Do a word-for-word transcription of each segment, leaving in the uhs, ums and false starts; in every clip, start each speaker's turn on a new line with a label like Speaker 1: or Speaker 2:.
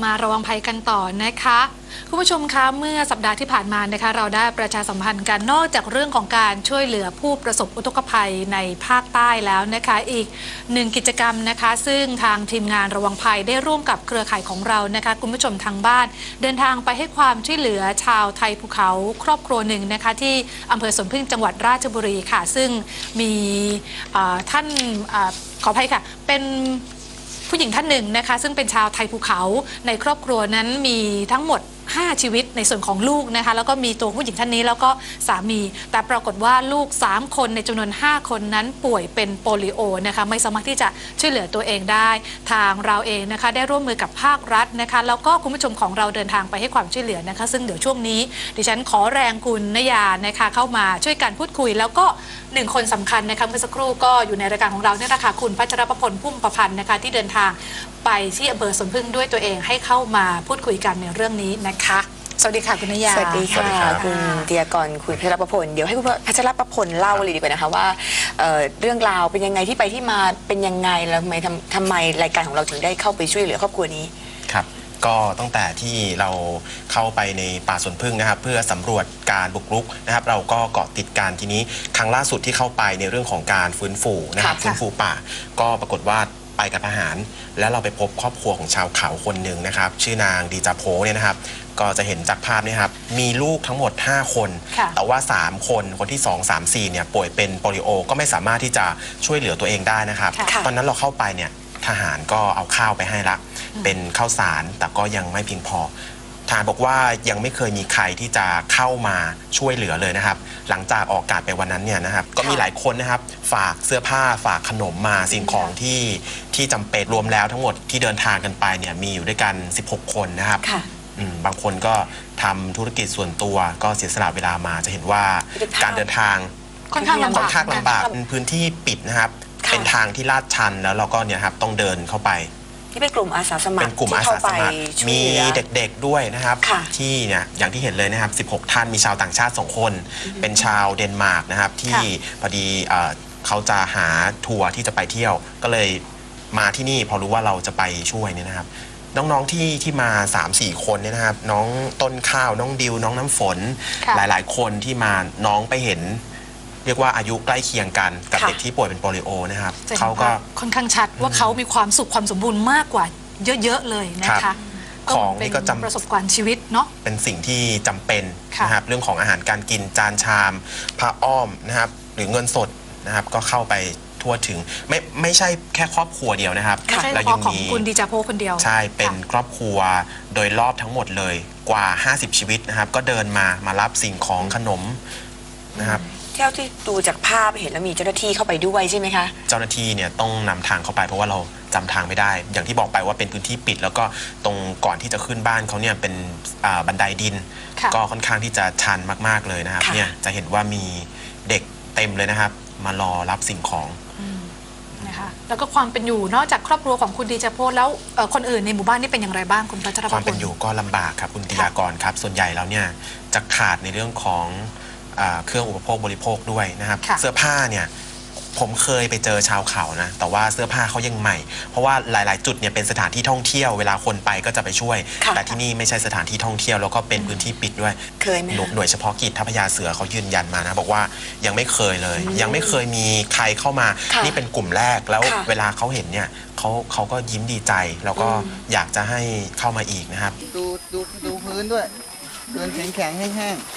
Speaker 1: มาระวังภัยกันต่อนะคะคุณผู้ชมคะเมื่อสัปดาห์ที่ผ่านมานะคะเราได้ประชาสัมพันธ์กันนอกจากเรื่องของการช่วยเหลือผู้ประสบอุทกภัยในภาคใต้แล้วนะคะอีกหนึ่งกิจกรรมนะคะซึ่งทางทีมงานระวังภัยได้ร่วมกับเครือข่ายของเรานะคะคุณผู้ชมทางบ้านเดินทางไปให้ความช่วยเหลือชาวไทยภูเขาครอบครัวหนึ่งนะคะที่อำเภอสวนพึ่งจังหวัดราชบุรีค่ะซึ่งมีท่านขออภัยค่ะเป็นผู้หญิงท่านหนึ่งนะคะซึ่งเป็นชาวไทยภูเขาในครอบครัวนั้นมีทั้งหมดห้าชีวิตในส่วนของลูกนะคะแล้วก็มีตัวผู้หญิงท่านนี้แล้วก็สามีแต่ปรากฏว่าลูกสามคนในจำนวนห้าคนนั้นป่วยเป็นโปลิโอนะคะไม่สามารถที่จะช่วยเหลือตัวเองได้ทางเราเองนะคะได้ร่วมมือกับภาครัฐนะคะแล้วก็คุณผู้ชมของเราเดินทางไปให้ความช่วยเหลือนะคะซึ่งเดี๋ยวช่วงนี้ดิฉันขอแรงคุณนยานะคะเข้ามาช่วยกันพูดคุยแล้วก็หนึ่งคนสำคัญนะคะเมื่อสักครู่ก็อยู่ในรายการของเราเนี่ยนะคะคุณพัชรประพลพุ่มประพันธ์นะคะที่เดินทางไปที่อำเภอสวนพึ่งด้วยตัวเองให้เข้ามาพูดคุยกันในเรื่องนี้นะคะสวัสดีค่ะคุณนยา
Speaker 2: สวัสดีค่ะคุณเดียกรคุณพัชรประพลเดี๋ยวให้คุณพัชรประพลเล่าเลยดีกว่านะคะว่า เ, เรื่องราวเป็นยังไงที่ไปที่มาเป็นยังไงแล้วทำไมทำไมรายการของเราถึงได้เข้าไปช่วยเหลือครอบครัวนี้
Speaker 3: ครับก็ตั้งแต่ที่เราเข้าไปในป่าสวนพึ่งนะครับเพื่อสำรวจการบุกรุกนะครับเราก็เกาะติดการทีนี้ครั้งล่าสุดที่เข้าไปในเรื่องของการฟื้นฟูนะครับฟื้นฟูป่าก็ปรากฏว่าไปกับทหารแล้วเราไปพบครอบครัวของชาวเขาคนหนึ่งนะครับชื่อนางดีจาโพเนี่ยนะครับก็จะเห็นจากภาพนี่ครับมีลูกทั้งหมดห้าคนแต่ว่าสามคนคนที่สอง สาม สี่เนี่ยป่วยเป็นโปลิโอก็ไม่สามารถที่จะช่วยเหลือตัวเองได้นะครับตอนนั้นเราเข้าไปเนี่ยทหารก็เอาข้าวไปให้ละเป็นข้าวสารแต่ก็ยังไม่เพียงพอทหารบอกว่ายังไม่เคยมีใครที่จะเข้ามาช่วยเหลือเลยนะครับหลังจากออกอากาศไปวันนั้นเนี่ยนะครับก็มีหลายคนนะครับฝากเสื้อผ้าฝากขนมมาสิ่งของที่ที่จำเป็นรวมแล้วทั้งหมดที่เดินทางกันไปเนี่ยมีอยู่ด้วยกันสิบหกคนนะครับบางคนก็ทำธุรกิจส่วนตัวก็เสียสละเวลามาจะเห็นว่าการเดินทาง
Speaker 1: ค่อนข้างลำบาก
Speaker 3: ค่อนข้างลำบากเป็นพื้นที่ปิดนะครับเป็นทางที่ลาดชันแล้วเราก็เนี่ยครับต้องเดินเข้าไป
Speaker 2: นี่เป็นกลุ่มอาสาสมัคร
Speaker 3: เป็นกลุ่มอาสาสมัครมีเด็กๆด้วยนะครับที่เนี่ยอย่างที่เห็นเลยนะครับสิบหกท่านมีชาวต่างชาติสองคนเป็นชาวเดนมาร์กนะครับที่พอดีเขาจะหาทัวร์ที่จะไปเที่ยวก็เลยมาที่นี่พอรู้ว่าเราจะไปช่วยเนี่ยนะครับน้องๆที่ที่มา สามสี่ คนเนี่ยนะครับน้องต้นข้าวน้องดิวน้องน้ำฝนหลายๆคนที่มาน้องไปเห็นเรียกว่าอายุใกล้เคียงกันกับเด็กที่ป่วยเป็นโปลิโอนะครับเขาก็
Speaker 1: ค่อนข้างชัดว่าเขามีความสุขความสมบูรณ์มากกว่าเยอะๆเลยนะคะ
Speaker 3: ของนี่ก็จำ
Speaker 1: ประสบการณ์ชีวิตเนาะ
Speaker 3: เป็นสิ่งที่จำเป็นนะครับเรื่องของอาหารการกินจานชามผ้าอ้อมนะครับหรือเงินสดนะครับก็เข้าไปทั่วถึงไม่ไม่ใช่แค่ครอบครัวเดียวนะครับ
Speaker 1: แล้วยังมีคุณดีจาโพคนเดียว
Speaker 3: ใช่เป็นครอบครัวโดยรอบทั้งหมดเลยกว่าห้าสิบชีวิตนะครับก็เดินมามารับสิ่งของขนมนะครับ
Speaker 2: เท่าที่ดูจากภาพเห็นแล้วมีเจ้าหน้าที่เข้าไปด้วยใช่ไหมคะ
Speaker 3: เจ้าหน้าที่เนี่ยต้องนำทางเข้าไปเพราะว่าเราจำทางไม่ได้อย่างที่บอกไปว่าเป็นพื้นที่ปิดแล้วก็ตรงก่อนที่จะขึ้นบ้านเขาเนี่ยเป็นบันไดดินก็ค่อนข้างที่จะชันมากๆเลยนะครับเนี่ยจะเห็นว่ามีเด็กเต็มเลยนะครับมารอรับสิ่งของ
Speaker 1: นะคะแล้วก็ความเป็นอยู่นอกจากครอบครัวของคุณดีจาโพแล้วคนอื่นในหมู่บ้านนี่เป็นอย่างไรบ้างคุณพัชรพล
Speaker 3: ความเป็นอยู่ก็ลำบากครับคุณธีรากรครับส่วนใหญ่แล้วเนี่ยจะขาดในเรื่องของเครื่องอุปโภคบริโภคด้วยนะครับเสื้อผ้าเนี่ยผมเคยไปเจอชาวเขานะแต่ว่าเสื้อผ้าเขายังใหม่เพราะว่าหลายๆจุดเนี่ยเป็นสถานที่ท่องเที่ยวเวลาคนไปก็จะไปช่วยแต่ที่นี่ไม่ใช่สถานที่ท่องเที่ยวแล้วก็เป็นพื้นที่ปิดด้วย
Speaker 2: เคยไหม
Speaker 3: หน่วยเฉพาะกิจทัพพญาเสือเขายืนยันมานะบอกว่ายังไม่เคยเลยยังไม่เคยมีใครเข้ามานี่เป็นกลุ่มแรกแล้วเวลาเขาเห็นเนี่ยเขาเขาก็ยิ้มดีใจแล้วก็อยากจะให้เข้ามาอีกนะครับ
Speaker 4: ดูดูดูพื้นด้วยเดินแข็งแข็งแห้งๆ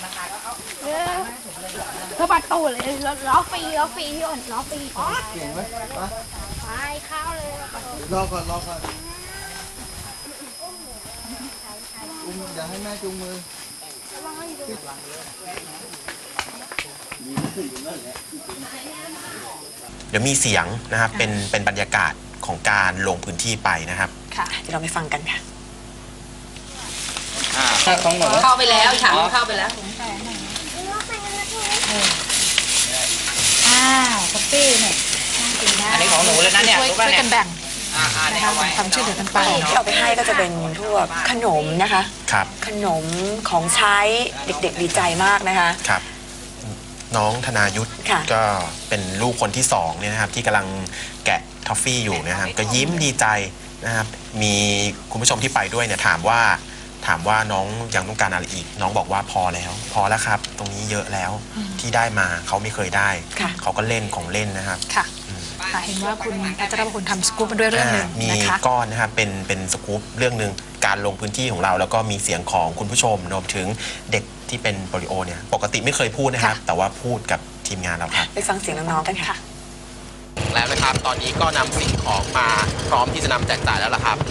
Speaker 5: สะบัดตูดเลยล้อฟรีล้อฟรีพี่อ่อนล้อฟรี
Speaker 4: เก่งไหม
Speaker 5: ไปเข้าเลย
Speaker 4: รอก่อนรอก่อนอุ้มอย่าให้แม่จูงมือ
Speaker 3: เดี๋ยวมีเสียงนะครับเป็นเป็นบรรยากาศของการลงพื้นที่ไปนะครับ
Speaker 2: ค่ะเดี๋ยวเราไปฟังกันค่ะ
Speaker 1: เข้าไปแล้วฉากเข้าไปแล้วอ้าวคอฟฟี่เนี่ย
Speaker 6: อันนี้ของหนูเลยนะเนี่ย
Speaker 1: ช่วยกันแบ่งนะคะทำช่วยเหลือกันไป
Speaker 2: ที่เอาไปให้ก็จะเป็นพวกขนมนะคะ
Speaker 3: ครับ
Speaker 2: ขนมของใช้เด็กๆดีใจมากนะคะ
Speaker 3: ครับน้องธนายุทธก็เป็นลูกคนที่สองเนี่ยนะครับที่กำลังแกะทอฟฟี่อยู่นะครับก็ยิ้มดีใจนะครับมีคุณผู้ชมที่ไปด้วยเนี่ยถามว่าถามว่าน้องยังต้องการอะไรอีกน้องบอกว่าพอแล้ว พอแล้วครับตรงนี้เยอะแล้วที่ได้มาเขาไม่เคยได้เขาก็เล่นของเล่นนะครับ
Speaker 1: ค่ะค่ะเห็นว่าคุณพัชรพลทำสกู๊ปมาด้วยเรื่องหนึ่ง
Speaker 3: มี
Speaker 1: นะคะ
Speaker 3: ก้อนนะครับเป็นเป็นสกู๊ปเรื่องหนึ่งการลงพื้นที่ของเราแล้วก็มีเสียงของคุณผู้ชมรวมถึงเด็กที่เป็นโปลิโอเนี่ยปกติไม่เคยพูดนะครับแต่ว่าพูดกับทีมงานเราครับ
Speaker 2: ไปฟังเสียงน้องๆกันค่ะ
Speaker 3: แล้วนะครับตอนนี้ก็นำสิ่งของมาพร้อมที่จะนำแจกจ่ายแล้วล่ะครับ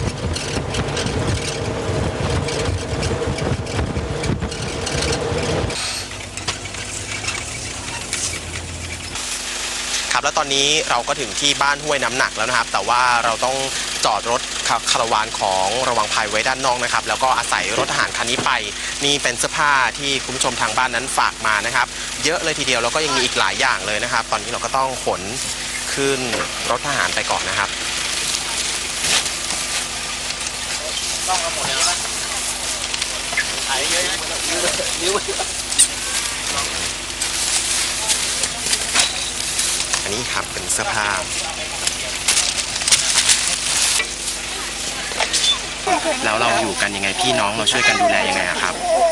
Speaker 3: ครับแล้วตอนนี้เราก็ถึงที่บ้านห้วยน้ำหนักแล้วนะครับแต่ว่าเราต้องจอดรถคาราวานของระวังภัยไว้ด้านนอกนะครับแล้วก็อาศัยรถทหารคันนี้ไปนี่เป็นเสื้อผ้าที่คุณผู้ชมทางบ้านนั้นฝากมานะครับเยอะเลยทีเดียวแล้วก็ยังมีอีกหลายอย่างเลยนะครับตอนนี้เราก็ต้องขนขึ้นรถทหารไปก่อนนะครับต้องเอาหมดเลยนะถ่ายเยอะๆนิ้วอันนี้ครับเป็นเสื้อผ้าแล้วเราอยู่กันยังไงพี่น้องเราช่วยกันดูแลยังไงครับ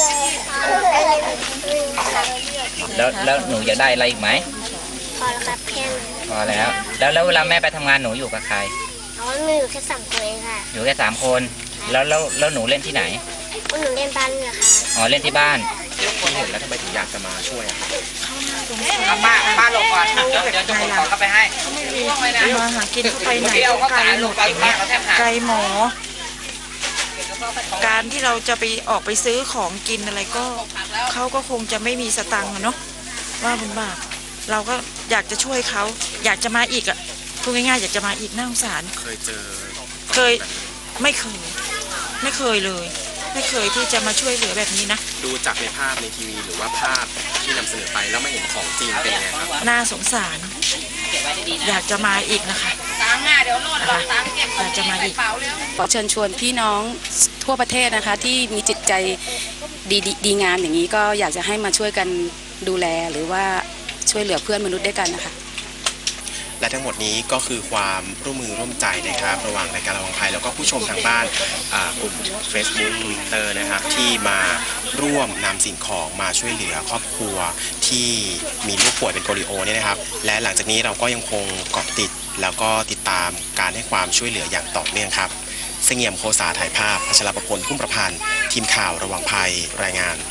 Speaker 6: แล้วแล้วหนูอยากได้อะไรอีกไหม
Speaker 5: พอแล้วครับแค่นั้น
Speaker 6: พอแล้วแล้วแล้วเวลาแม่ไปทำงานหนูอยู่กับใคร
Speaker 5: อ๋อมีอยู่แค่สามคนเองค่ะ
Speaker 6: อยู่แค่สามคนแล้วแล้วแล้วหนูเล่นที่ไหน
Speaker 5: วันหนูเล่นบ้านเนี่ยค่ะ
Speaker 6: อ๋อเล่นที่บ้าน
Speaker 3: พี่เห็นแล้วทำไมถึงอยากจะมาช่วยอะครับ
Speaker 6: เอาป้าป้าลงก่อนเดี๋ยวเดี๋ยวจะขนของเข้าไปให้
Speaker 7: มาหากินเข้าไปไหน
Speaker 6: เดี๋ยว
Speaker 7: ก็
Speaker 6: เอา
Speaker 7: ไกล
Speaker 6: ขาย
Speaker 7: ห
Speaker 6: ล
Speaker 7: ม
Speaker 6: ง
Speaker 7: ด
Speaker 6: ไปป้าเขาแทบหัก
Speaker 7: ไกลหมอ การที่เราจะไปออกไปซื้อของกินอะไรก็เขาก็คงจะไม่มีสตังค์อะเนาะว่าบุญบาปเราก็อยากจะช่วยเขาอยากจะมาอีกอ่ะพูดง่ายๆอยากจะมาอีกน่าสงสาร
Speaker 3: เคยเจอ
Speaker 7: เคยไม่เคย ไม่เคยเลย ไม่เคยที่จะมาช่วยเหลือแบบนี้นะ
Speaker 3: ดูจากในภาพในทีวีหรือว่าภาพที่นำเสนอไปแล้วไม่เห็นของจริงเป็นยังไงครับ
Speaker 7: น่าสงสาร อยากจะมาอีกนะคะนะคะอยากจะมาอีก
Speaker 8: ขอเชิญชวนพี่น้องทั่วประเทศนะคะที่มีจิตใจดีดีดีงามอย่างนี้ก็อยากจะให้มาช่วยกันดูแลหรือว่าช่วยเหลือเพื่อนมนุษย์ด้วยกันนะคะ
Speaker 3: และทั้งหมดนี้ก็คือความร่วมมือร่วมใจนะครับระหว่างรายการระวังภัยแล้วก็ผู้ชมทางบ้านอ่ากลุ่ม Facebook Twitter นะครับที่มาร่วมนำสิ่งของมาช่วยเหลือครอบครัวที่มีลูกป่วยเป็นโปลิโอเนี่ยนะครับและหลังจากนี้เราก็ยังคงเกาะติดแล้วก็ติดตามการให้ความช่วยเหลืออย่างต่อเนื่องครับเสงี่ยมโคสาถ่ายภาพพัชรประพลพุ่มประพันธ์ทีมข่าวระวังภัยรายงาน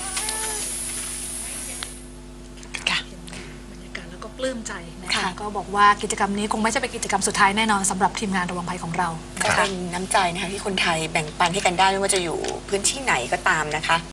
Speaker 1: ก็ปลื้มใจนะคะก็บอกว่ากิจกรรมนี้คงไม่ใช่เป็นกิจกรรมสุดท้ายแน่นอนสำหรับทีมงานระวังภัยของเรา
Speaker 2: ก็เป็นน้ำใจนะคะที่คนไทยแบ่งปันให้กันได้ไม่ว่าจะอยู่พื้นที่ไหนก็ตามนะคะ